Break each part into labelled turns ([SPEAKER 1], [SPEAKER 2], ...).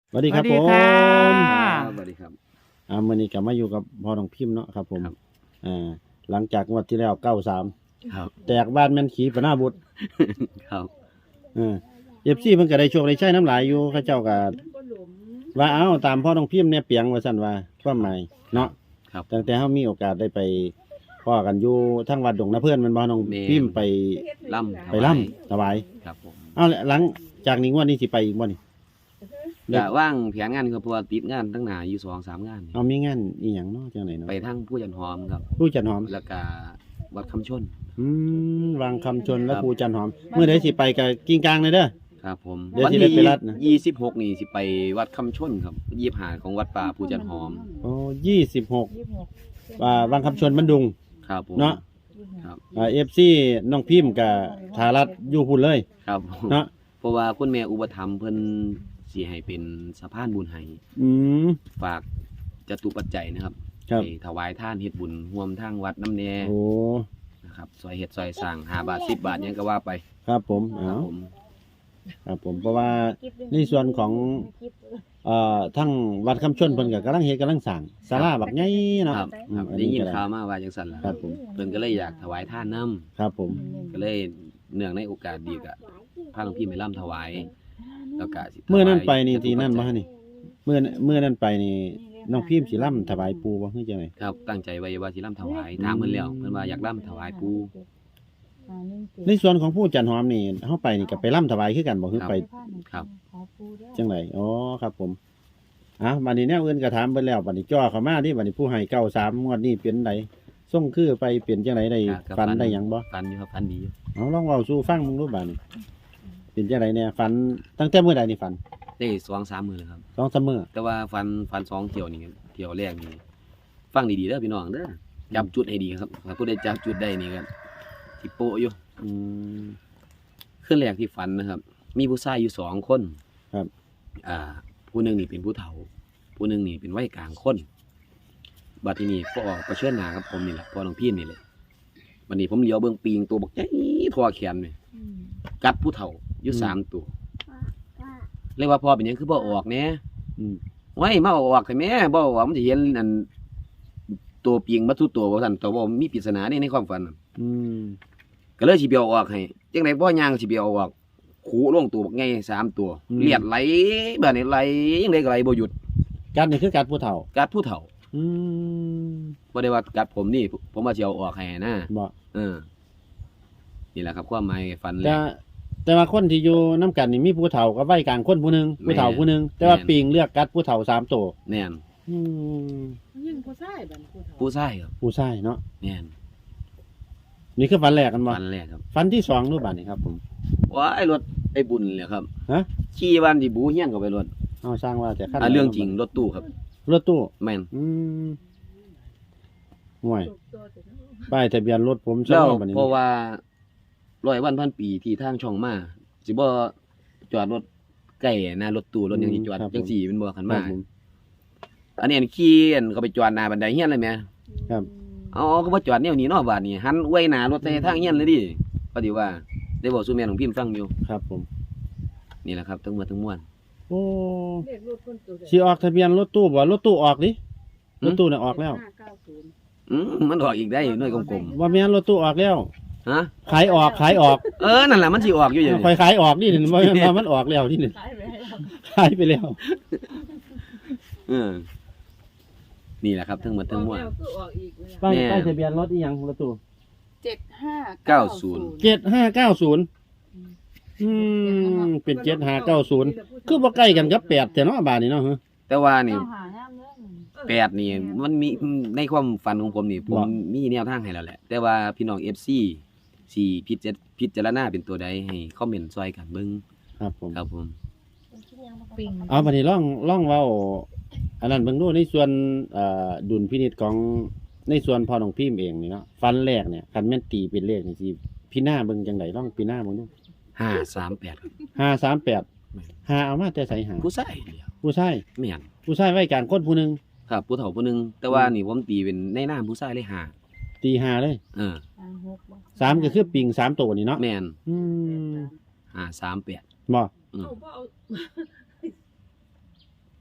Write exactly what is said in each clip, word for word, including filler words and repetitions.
[SPEAKER 1] สวัสดีครับ
[SPEAKER 2] สวัส
[SPEAKER 1] ผ
[SPEAKER 2] ดีค่ะ
[SPEAKER 1] ม
[SPEAKER 3] ครับสวัสดีครับ
[SPEAKER 1] อ่ามื้อนี้ก็มาอยู่กับพ่อน้องพิมพ์เนาะครับผม
[SPEAKER 3] ครับ
[SPEAKER 1] อ่าหลังจากงวดที่แล้วเก้าสาม
[SPEAKER 3] ครับ
[SPEAKER 1] แตกบ้านแม่นขีปนาบุตร
[SPEAKER 3] ครับ
[SPEAKER 1] เออ เอฟ ซี เพิ่นก็ได้โชคได้ใช้น้ำหลายอยู่เขาเจ้าก็ว่าเอ้าตามพ่อน้องพิมพ์เนี่ยเปียงว่าซั่นว่าความหมายเนาะ
[SPEAKER 3] ครับ
[SPEAKER 1] ตั้งแต่เฮามีโอกาสได้ไปพ้อกันอยู่ทั้งวัดดงนาเพิ่นแม่นบ่น้อง
[SPEAKER 3] แม่น
[SPEAKER 1] พิมพ์ไป
[SPEAKER 3] ล่ำ
[SPEAKER 1] ไปร่ำถวาย
[SPEAKER 3] ครับผม
[SPEAKER 1] เอ้าหลังจากนี้งวดนี้สิไปอีกบ่นี่
[SPEAKER 3] จะว่างแผนงานครับเพราะว่าติดงานตั้งหนาอยู่สองสามงาน
[SPEAKER 1] เอามีงานอีหยังเนาะจังไดเนาะ
[SPEAKER 3] ไปทั้งผู้จันหอมครับ
[SPEAKER 1] ผู้จันหอม
[SPEAKER 3] แล้วก็วัดคำชน
[SPEAKER 1] อืมวางคำชนและ
[SPEAKER 3] ครับ
[SPEAKER 1] ภูจันหอมเมื่อใดสิไปกับกิ้งกลางเลยเด้อ
[SPEAKER 3] ครับผม
[SPEAKER 1] เดี๋ยว
[SPEAKER 3] วั
[SPEAKER 1] สิได้ไปรัดนะ
[SPEAKER 3] ยี่สิบหกนี่สิไปวัดคำชนครับยี่หาของวัดป่าผู้จันหอม
[SPEAKER 1] โอ้ยี่สิบหกว่าวางคำชนบันดุง
[SPEAKER 3] ครับผม
[SPEAKER 1] เนาะ
[SPEAKER 3] ครับ
[SPEAKER 1] อ่าเอฟซีน้องพิมพ์กับทารัตอยู่พุ่นเลย
[SPEAKER 3] ครับผม
[SPEAKER 1] เนาะ
[SPEAKER 3] เพราะว่าคุณแม่อุปถัมภ์เพิ่นสิให้เป็นสะพานบุญให้
[SPEAKER 1] อืม
[SPEAKER 3] ฝากจตุปัจจัยนะครับ
[SPEAKER 1] ครับ
[SPEAKER 3] ไปถวายท่านเฮ็ดบุญร่วมทางวัดน้ำแน่
[SPEAKER 1] โอ้
[SPEAKER 3] นะครับซอยเฮ็ดซอยสร้างห้าบาทสิบบาทหยังก็ว่าไป
[SPEAKER 1] ครับผม
[SPEAKER 3] ค
[SPEAKER 1] เอา
[SPEAKER 3] รับผม
[SPEAKER 1] ครับผมเพราะว่าในส่วนของเอ่อทั้งวัดคำชนเพิ่นก็กำลังเฮ็ดกำลังสร้างศาลาบักใหญ่เนาะ
[SPEAKER 3] ครับ
[SPEAKER 1] อืม
[SPEAKER 3] ครับ
[SPEAKER 1] อัน
[SPEAKER 3] ได้
[SPEAKER 1] นี้
[SPEAKER 3] ยิน
[SPEAKER 1] ก็ได้
[SPEAKER 3] ข่าวมาว่าจังซั่นล่ะ
[SPEAKER 1] ครับผม
[SPEAKER 3] เพิ่นก็เลยอยากถวายท่านนํ
[SPEAKER 1] ครับผม
[SPEAKER 3] ก็เลยเนื่องในโอกาสดีก็พาหลวงพี่ไปร่ำถวายแล้วก็สิถวาย
[SPEAKER 1] เมื่อนั้นไปนี่ที่นั่นบ่
[SPEAKER 3] จตุปัจจัย
[SPEAKER 1] ฮะนี่เมื่อเมื่อนั้นไปนี่น้องพิมพ์สิร่ำถวายปู่บ่คือจังได
[SPEAKER 3] ครับตั้งใจไว้ว่าสิร่ำถวายถามเพิ่นแล้วเพิ่นว่าอยากร่ำถวายปู่
[SPEAKER 1] ในส่วนของผู้จันหอมนี่เฮาไปนี่ก็ไปร่ำถวายคือกันบ่คือไป
[SPEAKER 3] ครับ
[SPEAKER 1] จังไดอ๋อครับผมอ่ะบัดนี้แนวอื่นก็ถามเบิ่แล้วบัดนี้จ่อเข้ามาที่บัดนี้ผู้ให้เก้าสามงวดนี้เป็นไดส่งคือไปเปลี่ยนจังไดได้
[SPEAKER 3] ครับ
[SPEAKER 1] ฝันได้หยังบ่
[SPEAKER 3] ฝันอยู่ครับฝันดีอยู่
[SPEAKER 1] เอาลองเว้าสู่ฟังมึงดูบัดนี้เป็นจังไดแน่ฝันตั้งแต่มื้อใดนี่ฝัน
[SPEAKER 3] ได้สองสามมื้อแล้วครับ
[SPEAKER 1] สองสามมื้อ
[SPEAKER 3] แต่ว่าฝันฝันสองเที่ยวนี่เที่ยวแรกนี่ฟังดีๆเด้อพี่น้องเด้อจับจุดให้ดีครับถ้าผู้ใดจับจุดได้นี่ก็สิโปะอยู่
[SPEAKER 1] อืม
[SPEAKER 3] ขึ้นแรกที่ฝันนะครับ มีผู้ชายอยู่สองคน
[SPEAKER 1] ครับ
[SPEAKER 3] อ่า ผู้หนึ่งนี่เป็นผู้เฒ่า ผู้หนึ่งนี่เป็นวัยกลางคนบัดทีนี้ก็ออกประเชิญหน้ากับผมนี่แหละพอน้องพี่นี่เลยบัดนี้ผมเลี้ยวเบิ่งปีงตัวบักใหญ่ทอแขนนี่กัดผู้เฒ่าอยู่สามตัวเรียกว่าพอเป็นหยังคือบ่ออกแหน่
[SPEAKER 1] อืม
[SPEAKER 3] ไว้มาเอาออกแต่แม่บ่ว่ามันจะเห็นอันตัวปีงมาทุกตัวว่าซั่นตัวบ่มีปริศนานี่ในความฝันน่ะ
[SPEAKER 1] อืม
[SPEAKER 3] ก็เลยสิเบียวออกให้จังได๋บ่ย่างสิเบียวออกขู่ลงตัวบักใหญ่สามตัว เลียดไหลแบบนี้ไหลจังได๋ก็ไหลบ่หยุด
[SPEAKER 1] กัดนี่คือกัดผู้เฒ่า
[SPEAKER 3] กัดผู้เฒ่า
[SPEAKER 1] อืม
[SPEAKER 3] บ่ได้ว่ากัดผมนี่ผมว่าสิเอาออกให้นะ
[SPEAKER 1] บ่
[SPEAKER 3] เออนี่แหละครับความหมายฝันแร
[SPEAKER 1] แต่
[SPEAKER 3] ก
[SPEAKER 1] แต่ว่าคนที่อยู่นํกันนี่มีผู้เฒ่ากับวัยกลางคนผู้หนึงผู้เฒ่าผู้หนึงแต่ว่า
[SPEAKER 3] แม่น
[SPEAKER 1] ปิงเลือกกัดผู้เฒ่าสามตัว
[SPEAKER 3] แม่น
[SPEAKER 1] อืม
[SPEAKER 2] ยิ่งผู้ชายบัดผู้เฒ่า
[SPEAKER 3] ผู้ชายครับ
[SPEAKER 1] ผู้ชายเนาะ
[SPEAKER 3] แม่น
[SPEAKER 1] นี่คือฝันแรกกันบ่
[SPEAKER 3] ฝันแรกครับ
[SPEAKER 1] ฝันที่สองรูปบัดนี่ครับผม
[SPEAKER 3] ว้ายรถไอ้บุญเลยครับ
[SPEAKER 1] ฮะ
[SPEAKER 3] ขี่วันที่บูเฮียนเข้าไปรถ
[SPEAKER 1] เอาสร้างว่าแต่ขั้น
[SPEAKER 3] อ่ะเรื่องจริงรถตู้ครับ
[SPEAKER 1] รถตู้
[SPEAKER 3] แม่น
[SPEAKER 1] อืมห่วยป้ายทะเบียนรถผม
[SPEAKER 3] แล้ว
[SPEAKER 1] บัดนี้
[SPEAKER 3] เพราะว่าร้อยวันพันปีที่ทางช่องมาสิบ่จอดรถใกล้หน้ารถตู้รถยังสิจอดจังสี่เป็นบ่คัน
[SPEAKER 1] ครั
[SPEAKER 3] มา
[SPEAKER 1] บผม
[SPEAKER 3] อันนี้อันขี่อันเขาไปจอดหน้าบันไดเฮียนเลยแหม่
[SPEAKER 1] ครับ
[SPEAKER 3] อ๋อก็บ่จอดแนวนี้เนาะบาดนี้หันอวยหน้ารถใส่ทางเฮียนเลยดิพอดีว่าได้บอกสู่แม่ของพิมพ์ฟังอยู่
[SPEAKER 1] ครับผม
[SPEAKER 3] นี่แหละครับทั้งหมดทั้งมวล
[SPEAKER 1] โอ้
[SPEAKER 2] เลขรถคนตัวใด
[SPEAKER 1] สิออกทะเบียนรถตู้บ่รถตู้ออกดิ
[SPEAKER 3] หื
[SPEAKER 1] ร
[SPEAKER 3] ม
[SPEAKER 1] ถตู้น่ะออกแล้ว
[SPEAKER 2] ห้าเก้าศูนย์
[SPEAKER 3] อืมมันออกอีกได้หน่วยกลม
[SPEAKER 1] ว่าแม่นรถตู้ออกแล้ว
[SPEAKER 3] ๆฮะ
[SPEAKER 1] ขายออกขายออก
[SPEAKER 3] เออนั่นแหละมันสิออกอยู่อย่าง
[SPEAKER 1] ค่อ
[SPEAKER 3] นี้
[SPEAKER 1] ยขายออกนี่นี่ว่าแม่นว่ามันออกแล้วนี่นี่
[SPEAKER 2] ขายไปให้เรา
[SPEAKER 1] ขายไปแล้ว
[SPEAKER 3] เออนี่แหละครับทั้งหมดทั้งมวล
[SPEAKER 2] ออกแก็ออกอีกเลย
[SPEAKER 1] ป้าย
[SPEAKER 3] แม่
[SPEAKER 1] ป้ายทะเบียนรถอีหยังรถตู้
[SPEAKER 2] เจ็ดห้า
[SPEAKER 3] เก้าศูนย์
[SPEAKER 1] เจ็ดห้าเก้าศูนย์อืมเป็นเจ็ดห้าเก้าศูนย์คือบ่ใกล้กันกับแปดแต่เนาะบาดนี้เนาะฮะ
[SPEAKER 3] แต่ว่านี่
[SPEAKER 2] เอาหาน้ำเด้อ
[SPEAKER 3] แปดนี่มันมีในความฝันของผมนี่ผม
[SPEAKER 1] ว่า
[SPEAKER 3] มีแนวทางให้แล้วแหละ แต่ว่าพี่น้อง เอฟ ซี สิพิจารพิจารณาเป็นตัวใดให้คอมเมนต์ช่วยกันเบิ่ง
[SPEAKER 1] ครับผม
[SPEAKER 3] ครับผม
[SPEAKER 2] ปิง
[SPEAKER 1] เอาบัดนี้ลองลองเว้าอันนั้นเบิ่งดูในส่วนเอ่อดุลพินิจของในส่วนพ่อน้องพิมพ์เองนี่เนาะฟันแรกเนี่ยคันแม่นตีเป็นเลขนี่สิพี่หน้าเบิ่งจังไดลองพี่หน้าเบิ่งดู
[SPEAKER 3] ห้าสามแปดครับ
[SPEAKER 1] ห้าสามแปดห้าเอามาแต่ใส่หา
[SPEAKER 3] ผู้ชายเดียว
[SPEAKER 1] ผู้ชาย
[SPEAKER 3] แม่น
[SPEAKER 1] ผู้ชายไว้กลางคนผู้หนึง
[SPEAKER 3] ครับผู้เฒ่าผู้หนึงแต่ว่านี่ผมตีเป็นในนามผู้ชายเลยห้า
[SPEAKER 1] ตีห้าเลย
[SPEAKER 3] เออ
[SPEAKER 2] ห้าหกบ่
[SPEAKER 1] สามก็คือปิงสามตัวนี่เนาะ
[SPEAKER 3] แม่น
[SPEAKER 1] อืม
[SPEAKER 3] ห้าสามแปด
[SPEAKER 1] บ่
[SPEAKER 3] อืม
[SPEAKER 2] เอาบ่เอา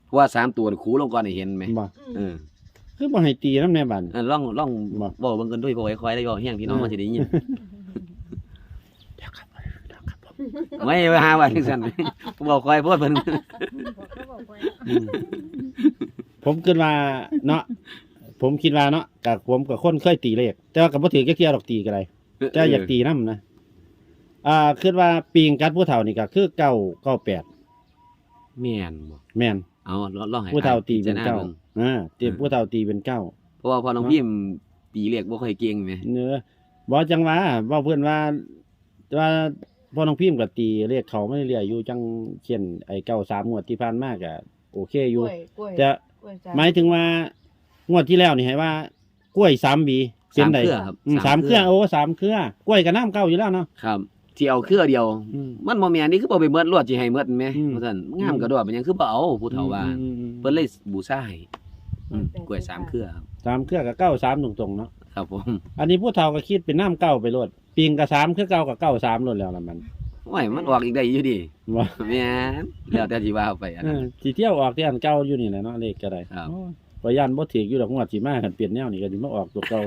[SPEAKER 3] เพราะว่าสามตัวนี่คูลงก่อนให้เห็นไหม
[SPEAKER 1] บ่
[SPEAKER 3] เออ
[SPEAKER 1] คือบ่ให้ตีนำแน่บัด
[SPEAKER 3] เออลองลอง
[SPEAKER 1] บ่
[SPEAKER 3] เว้าเบิ่งกันด้วยบ่ค่อยๆได้เว้าแฮงพี่น้อง
[SPEAKER 1] เออ
[SPEAKER 3] มันสิได้ยิน
[SPEAKER 1] เดี๋ยวครับเดี๋ยวครับผม
[SPEAKER 3] ไม่ว่าหาว่าจังซั่น บ่ค่อยพูดเพิ่น
[SPEAKER 2] บอกเขาบอกไว้
[SPEAKER 1] อืมผมคิดว่าเนาะผมคิดว่าเนาะกับผมกับคนเคยตีเลขแต่ว่าก็บ่ถือจักเที่ยดอกตีก็ได้แต่อยากตีนำนะอ่าคิดว่าปีงกัดผู้เฒ่านี่ก็คือเก้าเก้าแปด
[SPEAKER 3] แม่นบ่
[SPEAKER 1] แม่น
[SPEAKER 3] เอาลองให้
[SPEAKER 1] ผู้เฒ่าตีเป็น
[SPEAKER 3] พิจรณ
[SPEAKER 1] เก้า
[SPEAKER 3] บิ่ง
[SPEAKER 1] อ่าตีผู้เฒ่าตีเป็นเก้า
[SPEAKER 3] เพราะว่าพอน้องพิมพ์ตีเลขบ่ค่อยเก่งแหม
[SPEAKER 1] เนื้อบ่จังว่าเว้าเพิ่นว่าว่าพ่อน้องพิมพ์ก็ตีเลขเขาไม่เรื่อยอยู่จังเช่นไอ้เก้าสามงวดที่ผ่านมาก็โอเคอก ยู่
[SPEAKER 2] ล้วยกล้วย
[SPEAKER 1] แต่
[SPEAKER 2] กล้วยจ้ะ
[SPEAKER 1] หมายถึงว่างวดที่แล้วนี่ให้ว่ากล้วยสามบีเป็น
[SPEAKER 3] สาม
[SPEAKER 1] ได
[SPEAKER 3] เครือครับ
[SPEAKER 1] อืมสามเครือโอ้สามเครือกล้วยกับน้ำเก้าอยู่แล้วเนาะ
[SPEAKER 3] ครับ ที่เอาเครือเดียว
[SPEAKER 1] อืม
[SPEAKER 3] มันบ่แม่นนี่คือบ่ไปเมิดรวดสิให้เมิดแหม
[SPEAKER 1] อืม
[SPEAKER 3] ว่าซั่นงามกระโดดเป็นหยังคือบ่เอาผู้เฒ่าว่า
[SPEAKER 1] อืมอืม
[SPEAKER 3] เพิ่นเลยบูชาให้อืมกล้วยสามเครือครับ
[SPEAKER 1] สามเครือกับเก้าสามตรงๆเนาะ
[SPEAKER 3] ครับผม
[SPEAKER 1] อันนี้ผู้เฒ่าก็คิดเป็นน้ำเก้าไปโลดปิงกับสามคือเก้ากับเก้าสามโลดแล้วล่ะมัน
[SPEAKER 3] โอ้ยมันออกอีกได้อยู่ดิ
[SPEAKER 1] ว่า
[SPEAKER 3] แม่นแล้วแต่สิว่าไปอัน
[SPEAKER 1] เอ
[SPEAKER 3] นั้น
[SPEAKER 1] อสิเที่ยวออกที่อันเก่าอยู่นี่แหละเนาะเลขก็ได้
[SPEAKER 3] ครับ
[SPEAKER 1] โอ้ยพยันบ่ถืออยู่ดอกงวดสิมาคันเปลี่ยนแนวนี่ก็สิมาออกตัวเก่า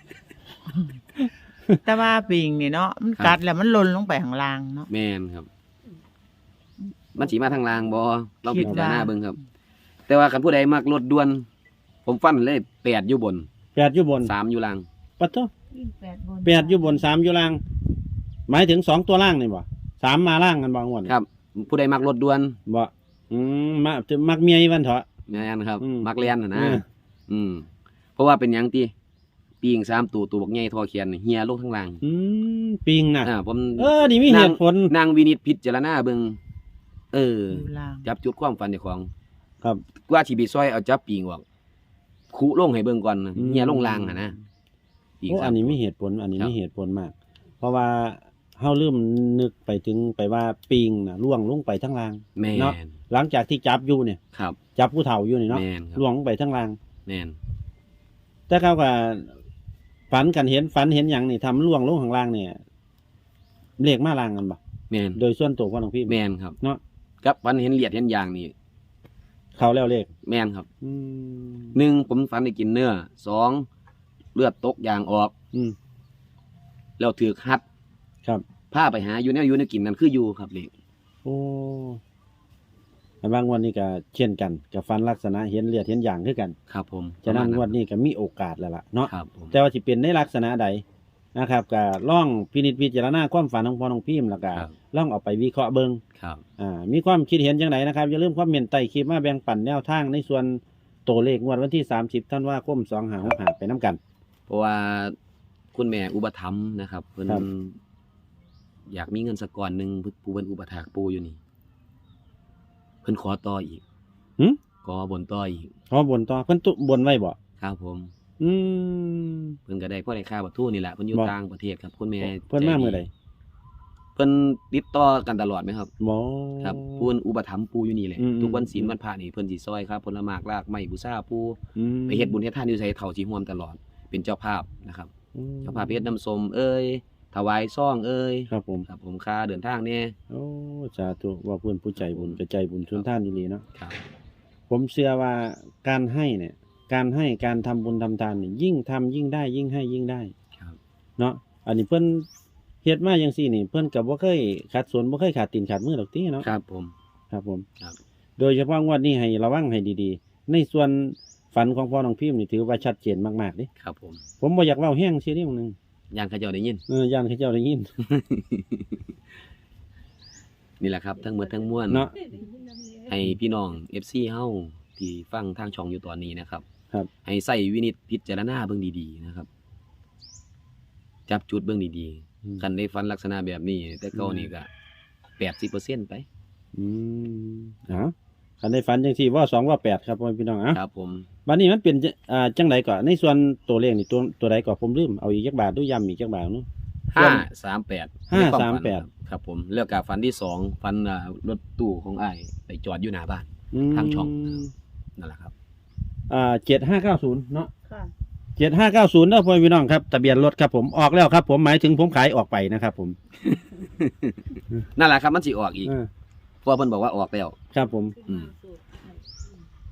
[SPEAKER 4] แต่ว่าปิงนี่เนาะมันกัดแล้วมันหล่นลงไปข้างล่างเนาะ
[SPEAKER 3] แม่นครับ มันสิมาทางล่างบ่ลอง
[SPEAKER 4] คิ
[SPEAKER 3] พิ
[SPEAKER 4] ด
[SPEAKER 3] จาร
[SPEAKER 4] ว่า
[SPEAKER 3] ณาเบิ่งครับ แต่ว่าคันผู้ใดมักรถด่วน ผมฟันเลยแปดอยู่บน
[SPEAKER 1] แปดอยู่บน
[SPEAKER 3] สามอยู่ล่าง
[SPEAKER 1] ปัดโต
[SPEAKER 2] วิ่งแปดบน
[SPEAKER 1] แปดอยู่บนสามอยู่ล่าง หมายถึงสองตัวล่างนี่บ่สามมาล่างกันบ่งวด
[SPEAKER 3] ครับ ผู้ใดมักรถด่วน
[SPEAKER 1] บ่อืมมาจะมักเมียอีวันเถาะ
[SPEAKER 3] แม่นครับ
[SPEAKER 1] อืม
[SPEAKER 3] มักเรียนน่ะนะ
[SPEAKER 1] เออ
[SPEAKER 3] อืมเพราะว่าเป็นหยังติปีงสามตัวตัวบักใหญ่ทอเขียนนี่เฮียลงทั้งล่าง
[SPEAKER 1] อืมปิงน่ะ
[SPEAKER 3] อ่าผม
[SPEAKER 1] เออนี่มีเหตุผล
[SPEAKER 3] นางวินิจพิจารณาเบิ่งเออ
[SPEAKER 4] อยู่ล่าง
[SPEAKER 3] จับจุดความฝันเจ้าของ
[SPEAKER 1] ครับ
[SPEAKER 3] กว่าสิไปซอยเอาจับปีงออกคุลงให้เบิ่งก่อนนะ
[SPEAKER 1] อืม
[SPEAKER 3] เฮียลงล่างอ่ะนะปีง
[SPEAKER 1] โอ้
[SPEAKER 3] สา
[SPEAKER 1] อั
[SPEAKER 3] ม
[SPEAKER 1] นนี้
[SPEAKER 3] ตัว
[SPEAKER 1] มีเหตุผล อันนี้
[SPEAKER 3] ครับ
[SPEAKER 1] มีเหตุผลมาก เพราะว่าเฮาลืมนึกไปถึงไปว่าปิงน่ะล่วงลงไปทั้งล่าง
[SPEAKER 3] แม่
[SPEAKER 1] เนาะ
[SPEAKER 3] น
[SPEAKER 1] หลังจากที่จับอยู่เนี่ย
[SPEAKER 3] ครับ
[SPEAKER 1] จับผู้เฒ่าอยู่นี่เนาะ
[SPEAKER 3] แม่นครับ
[SPEAKER 1] ล่วงลงไปทั้งล่าง
[SPEAKER 3] แม่น
[SPEAKER 1] แต่เขาก็ฝันกันเห็นฝันเห็นอย่างนี่ทำล่วงลงข้างล่างเนี่ยเลขมาล่างกันบ่
[SPEAKER 3] แม่น
[SPEAKER 1] โดยส่วนตัวพ่อน้องพี่
[SPEAKER 3] แม่นครับ
[SPEAKER 1] เนาะ
[SPEAKER 3] กับฝันเห็นเหลียดเห็นยางนี่
[SPEAKER 1] เขาแล้วเลข
[SPEAKER 3] แม่นครับ
[SPEAKER 1] อืม
[SPEAKER 3] หนึ่งผมฝันได้กินเนื้อสองเลือดตกยางออก
[SPEAKER 1] อืม
[SPEAKER 3] แล้วถือคัด
[SPEAKER 1] ครับ
[SPEAKER 3] พาไปหาอยู่แนวอยู่ในกินนั่นคืออยู่ครับเลข
[SPEAKER 1] โอ้แต่บางวันนี้ก็เช่นกันกับฟันลักษณะเห็นเลือดเห็นอย่างคือกัน
[SPEAKER 3] ครับผม
[SPEAKER 1] ฉะนั้น
[SPEAKER 3] ประ
[SPEAKER 1] ง
[SPEAKER 3] ม
[SPEAKER 1] ว
[SPEAKER 3] ณ
[SPEAKER 1] ดนี้ก็มีโอกาสแล้วล่ะเนาะ
[SPEAKER 3] ครับผม
[SPEAKER 1] แต่ว่าสิเป็นในลักษณะใดนะครับก็ล่องพินิจพิจารณาความฝันของพ่อน้องพิมพ์แล้วก็
[SPEAKER 3] ครับ
[SPEAKER 1] ล่องเอาไปวิเคราะห์เบิ่ง
[SPEAKER 3] ครับ
[SPEAKER 1] อ่ามีความคิดเห็นจังไดนะครับอย่าลืมคอมเมนต์ใต้คลิปมาแบ่งปันแนวทางในส่วนตัวเลขงวดวันที่สามสิบธันวาคมสองห้าหกห้าไปน้ำกัน
[SPEAKER 3] เพราะว่าคุณแม่อุปถัมภ์นะครับเพิ่น
[SPEAKER 1] ครับ
[SPEAKER 3] อยากมีเงินสักก้อนหนึ่งผู้เพิ่นอุปถากปูอยู่นี่ เพิ่นขอต่ออีก
[SPEAKER 1] หึ
[SPEAKER 3] ขอบนต่ออีก
[SPEAKER 1] เขาบนต่อเพิ่นตุบนไว้บ่
[SPEAKER 3] ครับผม
[SPEAKER 1] อืม
[SPEAKER 3] เพิ่นก็ได้พ่อได้ค่าบัตรทูนี่แหละเพิ่นอยู่
[SPEAKER 1] บ่
[SPEAKER 3] ต่างประเทศครับคุณแม่
[SPEAKER 1] เพิ่นมา
[SPEAKER 3] ใจดี
[SPEAKER 1] เมื่อใด
[SPEAKER 3] เพิ่นติดต่อกันตลอดไหมครับ
[SPEAKER 1] บ่
[SPEAKER 3] ครับผู้เพิ่นอุปถัมภ์ปูอยู่นี่แหละ
[SPEAKER 1] อืม
[SPEAKER 3] ทุกวันศีลวันพระนี่เพิ่นสิซอยครับผลหมากรากไม้บูชาปู
[SPEAKER 1] อืม
[SPEAKER 3] ไปเฮ็ดบุญเฮ็ดทานอยู่ไสเฒ่าสิร่วมตลอด เป็นเจ้าภาพนะครับ
[SPEAKER 1] อืม
[SPEAKER 3] เจ้าภาพเฮ็ดน้ำส้มเอ้ยถวายซ่องเอ้ย
[SPEAKER 1] ครับผม
[SPEAKER 3] ครับผมค่าเดินทางเนี่ย
[SPEAKER 1] โอ้สาธุว่าเพื่อนผู้ใจบุญกระใจบุญชุนท่านดีๆเนาะ
[SPEAKER 3] ครับ
[SPEAKER 1] ผมเชื่อว่าการให้เนี่ย การให้การทำบุญทำทานเนี่ยยิ่งทำยิ่งได้ ยิ่งให้ยิ่งได้
[SPEAKER 3] ครับ
[SPEAKER 1] เนาะอันนี้เพิ่นเฮ็ดมาจังซี่นี่ เพิ่นก็บ่เคยขาดสนบ่เคยขาดตีนขาดมือดอกติเนาะ
[SPEAKER 3] ครับผม
[SPEAKER 1] ครับผม
[SPEAKER 3] ครับ
[SPEAKER 1] โดยเฉพาะงวดนี้ให้ระวังให้ดีๆ ในส่วนฝันของพ่อน้องพิมพ์นี่ถือว่าชัดเจนมากๆเด้
[SPEAKER 3] ครับผม
[SPEAKER 1] ผมบ่อยากเว้าแห้งซิเด้มื้อนึง
[SPEAKER 3] ย่างเขาเจ้าได้ยิน
[SPEAKER 1] เออย่านเขาเจ้าได้ยิน
[SPEAKER 3] นี่แหละครับทั้งหมดทั้งมวล
[SPEAKER 1] เนาะ
[SPEAKER 3] ให้พี่น้อง เอฟ ซี เฮาที่ฟังทางช่องอยู่ตอนนี้นะครับ
[SPEAKER 1] ครับ
[SPEAKER 3] ให้ใส่วินิจพิจารณาเบิ่งดีๆนะครับ จับจุดเบิ่งดี
[SPEAKER 1] อืม
[SPEAKER 3] ๆคันได้ฟันลักษณะแบบนี้ แต่เก่านี่ก็แปดสิบเปอร์เซ็นต์ไป
[SPEAKER 1] อืมเอ้าคันได้ฝันจังซี่ว่าสองว่าแปดครับพ่อพี่น้องเอ้า
[SPEAKER 3] ครับผม
[SPEAKER 1] บัดนี้มันเป็นจะอ่าจังไดก่อนในส่วนตัวเลขนี่ตัวตัวใดก่อนผมลืมเอาอีกจักบาทดูย้ำอีกจักบาทเนาะ
[SPEAKER 3] ห้าสามแปด
[SPEAKER 1] ห้าสามแปด
[SPEAKER 3] ครับผมแล้วก็ฝันที่สองฝันอ่ารถตู้ของอ้ายไปจอดอยู่หน้าบ้าน
[SPEAKER 1] อืม
[SPEAKER 3] ทางช่อง นั่นแหละครับ
[SPEAKER 1] อ่าเจ็ดห้าเก้าศูนย์เนาะ
[SPEAKER 2] ค่ะ
[SPEAKER 1] เจ็ดห้าเก้าศูนย์เด้อพ่อพี่น้องครับทะเบียนรถครับผมออกแล้วครับผมหมายถึงผมขายออกไปนะครับผม
[SPEAKER 3] นั่นแหละครับมันสิออกอีก
[SPEAKER 1] เออ
[SPEAKER 3] เพราะว่าเพิ่นบอกว่าออกแล้ว
[SPEAKER 1] ครับผม
[SPEAKER 3] อืม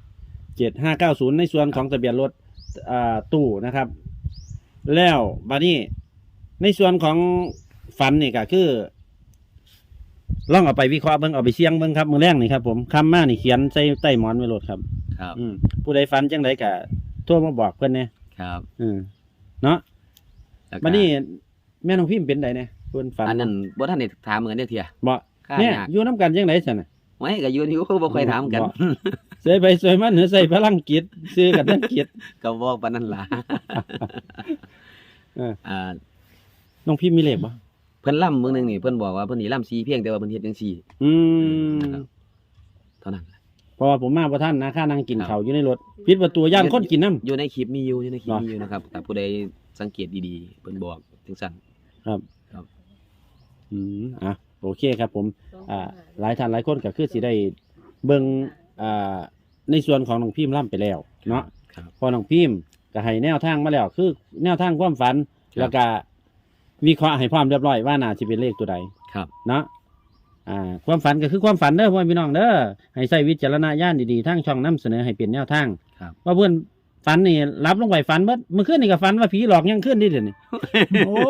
[SPEAKER 1] เจ็ดห้าเก้าศูนย์ในส่วนของทะเบียนรถอ่าตู้นะครับ แล้วบัดนี้ในส่วนของฝันนี่ก็คือลองเอาไปวิเคราะห์เบิ่งเอาไปเสี่ยงเบิ่งครับมื้อแรกนี่ครับผมคำมานี่เขียนใส่ใต้หมอนไว้โลดครับ
[SPEAKER 3] ครับ
[SPEAKER 1] อืมผู้ใดฝันจังไดก็โทรมาบอกเพิ่นแหน่
[SPEAKER 3] ครับ
[SPEAKER 1] อืมเนาะ
[SPEAKER 3] แล้วก็
[SPEAKER 1] บัดนี้แม่น้องพิมพ์เป็นไดแหน่เพิ่นฝัน
[SPEAKER 3] อันนั้นบ่ทันได้ถามเหมือนเด้อเที่ย
[SPEAKER 1] บ่
[SPEAKER 3] ค่า
[SPEAKER 1] เนี่ย
[SPEAKER 3] ยาก
[SPEAKER 1] อยู่นํกันจังไดซั่นน่ะ
[SPEAKER 3] ไว้ก็อยู่นี่ก็บ่ค่อยถามกัน
[SPEAKER 1] บ่ ใส่ไปใส่มันหรือใส่พลังจิตซื้อกันทั้งจิต
[SPEAKER 3] ก็บอกปานนั้นล่ะ
[SPEAKER 1] เออ
[SPEAKER 3] อ่า
[SPEAKER 1] น้องพิมพ์มีเลขบ่
[SPEAKER 3] เพิ่นล่ำมื้อหนึงนี่เพิ่นบอกว่าเพิ่นนี่ล่ำซีเพียงแต่ว่าเพิ่นเฮ็ดจังซี่
[SPEAKER 1] อืม
[SPEAKER 3] นะครับเท่านั้นล่ะ
[SPEAKER 1] เพราะว่าผมมาบ่ทันนะค่านั่งกิน
[SPEAKER 3] ครับ
[SPEAKER 1] ข้าวอยู่ในรถปิดประตูย่านคนกินน้ำ
[SPEAKER 3] อยู่ในคลิปมีอยู่อยู่ในคลิป
[SPEAKER 1] เหรอ
[SPEAKER 3] มีอยู่นะครับแต่ผู้ใดสังเกตดีๆเพิ่นบอกจังซั่น
[SPEAKER 1] ครับ
[SPEAKER 3] ครับ
[SPEAKER 1] อืมอ่ะโอเคครับผม อ่า หลายท่านหลายคนก็คือสิได้เบิ่งอ่าในส่วนของน้องพิมพ์ล่ำไปแล้วเนาะ
[SPEAKER 3] ครับ
[SPEAKER 1] พอน้องพิมพ์ก็ให้แนวทางมาแล้ว คือแนวทางความฝัน แล้วก็วิเคราะห์ให้พร้อมเรียบร้อยว่าน่าสิเป็นเลขตัวใด
[SPEAKER 3] ครับ
[SPEAKER 1] เนาะ อ่า ความฝันก็คือความฝันเด้อพ่อพี่น้องเด้อ ให้ใช้วิจารณญาณดีๆทั้งช่องนำเสนอให้เป็นแนวทาง
[SPEAKER 3] ครับ
[SPEAKER 1] ว่าเพื่อนฝันนี่รับลงไปฝันเมื่อเมื่อคืนนี่ก็ฝันว่าผีหลอกยังขึ้นนี่เดี๋ยวนี้ โอ้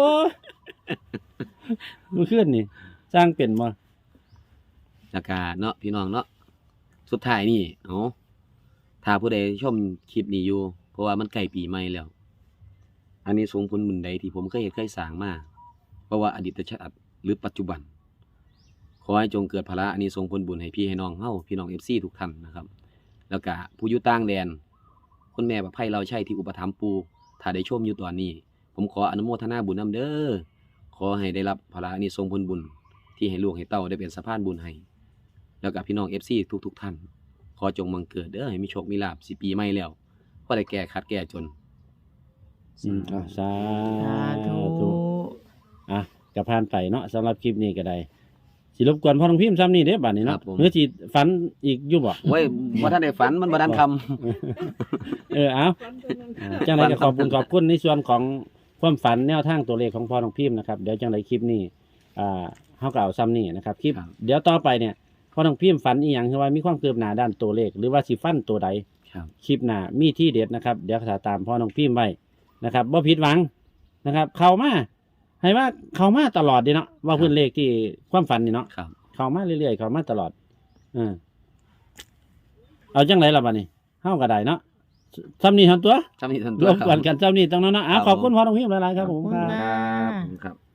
[SPEAKER 1] เมื่อคืนนี่สร้างเป็นมา
[SPEAKER 3] แล้วก็เนาะพี่น้องเนาะสุดท้ายนี่เอาถ้าผู้ใดชมคลิปนี้อยู่เพราะว่ามันใกล้ปีใหม่แล้ว อันนี้สงผลบุญใดที่ผมเคยเฮ็ดเคยสร้างมาเพราะว่าอดีตชาติหรือปัจจุบัน ขอให้จงเกิดพละอันนี้ทรงผลบุญให้พี่ให้น้องเฮาพี่น้อง เอฟ ซี ทุกท่านนะครับ แล้วก็ผู้อยู่ต่างแดนคุณแม่ประไพเราใช่ที่อุปถัมภ์ปูถ้าได้ชมอยู่ตอนนี้ ผมขออนุโมทนาบุญนำเด้อขอให้ได้รับพละอันนี้ทรงผลบุญที่ให้ลูกให้เต้าได้เป็นสะพานบุญให้แล้วก็พี่น้อง เอฟ ซี ทุกๆท่านขอจงบังเกิดเด้อให้มีโชคมีลาภสิปีใหม่แล้วพอได้แก้ขัดแก้จน
[SPEAKER 1] อืมอ่ะสา
[SPEAKER 4] สาธุ
[SPEAKER 1] ธุอ่ะกระพานไปเนาะสำหรับคลิปนี้ก็ได้สิรบกวนพ่อน้องพิมพ์ซ้ำนี่เด้อบัดนี้
[SPEAKER 3] ครั
[SPEAKER 1] เนาะ
[SPEAKER 3] บผม
[SPEAKER 1] เนื้อสิฝันอีกอยู่บ่
[SPEAKER 3] โอ้ยบ่ทันได้ฝันมันบ่ทันคำ
[SPEAKER 1] เออเอาอ่าจังไรก็ขอบคุณขอบคุณในส่วนของความฝันแนวทางตัวเลขของพ่อน้องพิมพ์นะครับเดี๋ยวจังไรคลิปนี้อ่าเฮาก็เอาซ้ำนี่นะครับคลิป
[SPEAKER 3] ครับ
[SPEAKER 1] เดี๋ยวต่อไปเนี่ยพ่อน้องพิมพ์ฝันอีหยังคือว่ามีความคืบหน้าด้านตัวเลข หรือว่าสิฟันตัวใด
[SPEAKER 3] ครับ
[SPEAKER 1] คลิปหน้ามีที่เด็ดนะครับ เดี๋ยวจะตามพ่อน้องพิมพ์ไว้นะครับบ่ผิดหวังนะครับ เข้ามาให้ว่าเข้ามาตลอดดีเนาะว่าเพื่อนเลขที่ความฝันนี่เนาะ
[SPEAKER 3] ครับ
[SPEAKER 1] เข้ามาเรื่อยๆเข้ามาตลอดเออเอาจังไรล่ะบัดนี้เฮาก็ได้เนาะซ้ำนี่ทันตัว
[SPEAKER 3] จำนี่ทัน
[SPEAKER 1] ร
[SPEAKER 3] ตัว
[SPEAKER 1] วมกันกันซ้ำนี่ตรงนั้นเนาะอ่ะ
[SPEAKER 3] ครับ
[SPEAKER 1] ขอบคุณพ่อน้องพิมพ์หลายๆครับผม
[SPEAKER 4] ขอบคุณ
[SPEAKER 1] ครับ
[SPEAKER 4] ค่ะ
[SPEAKER 3] ครับผมครับ